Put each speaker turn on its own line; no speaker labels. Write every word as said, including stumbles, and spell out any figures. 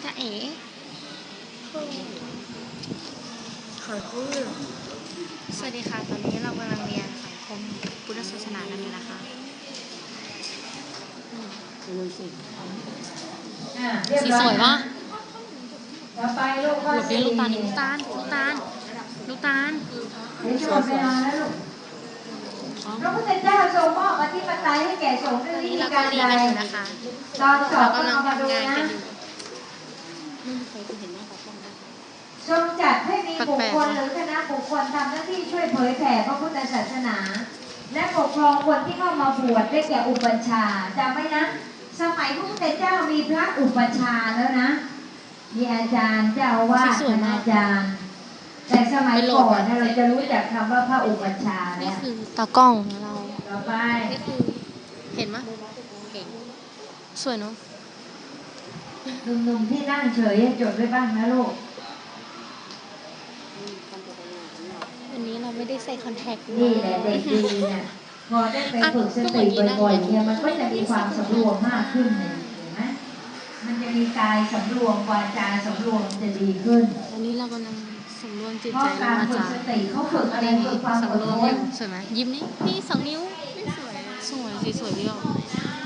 จะเอ๋ขอพูดสวัสดีค่ะตอนนี้เรากำลังเรียนสังคมพุทธศาสนากันอยู่นะคะสีสวยปะหลบเรียนลูกตาลลูกตาลลูกตาลลูกตาล
สวยพระพุทธเจ้าทรงมอบอธิปไตยให้แก่สงฆ์ด้วยวิธีการใดตอนสอบก็เอามาดูนะทรงจัดให้มีบุคคลหรือคณะบุคคลทำหน้าที่ช่วยเผยแผ่พระพุทธศาสนาและปกครองคนที่เข้ามาบวชได้แก่อุปัชฌาย์จำไว้นะสมัยพระพุทธเจ้ามีพระอุปัชฌาย์แล้วนะมีอาจารย์เจ้าอาวาสคณาจารย์แต่สมัยก่อนเราจะรู้จักคำว่าพระอุปัชฌาย์เนี่
นี่
ย
คือตากล้องของเรา
ต่อไป
นี่คือเห็นไหมเห็นสวยเนาะ
หนุ่มๆที่นั่งเฉยจดไว้บ้างนะลูก
วันนี้เราไม่ได้ใส่คอนแทค
นี่แหละเด็กดีเนี่ยพอได้ไปฝึกสติบ่อยๆเนี่ยมันก็จะมีความสำรวมมากขึ้นเนี่ยเห็นไหมมันจะมีกายสำรวมวาจาสำรวมจะดีขึ้น
วันนี้เรากำลังสำรวมจิต
เพราะ
ใจ
การ
เรา
ฝึ
จาก ก
สติเขาฝึกอะไรฝึกความอ
สำ
ด
รวม
ท
อน ยู่สวยไหมยิ้มนี่นี่สองนิ้วสวยสวยสีสวยดีอ่ะ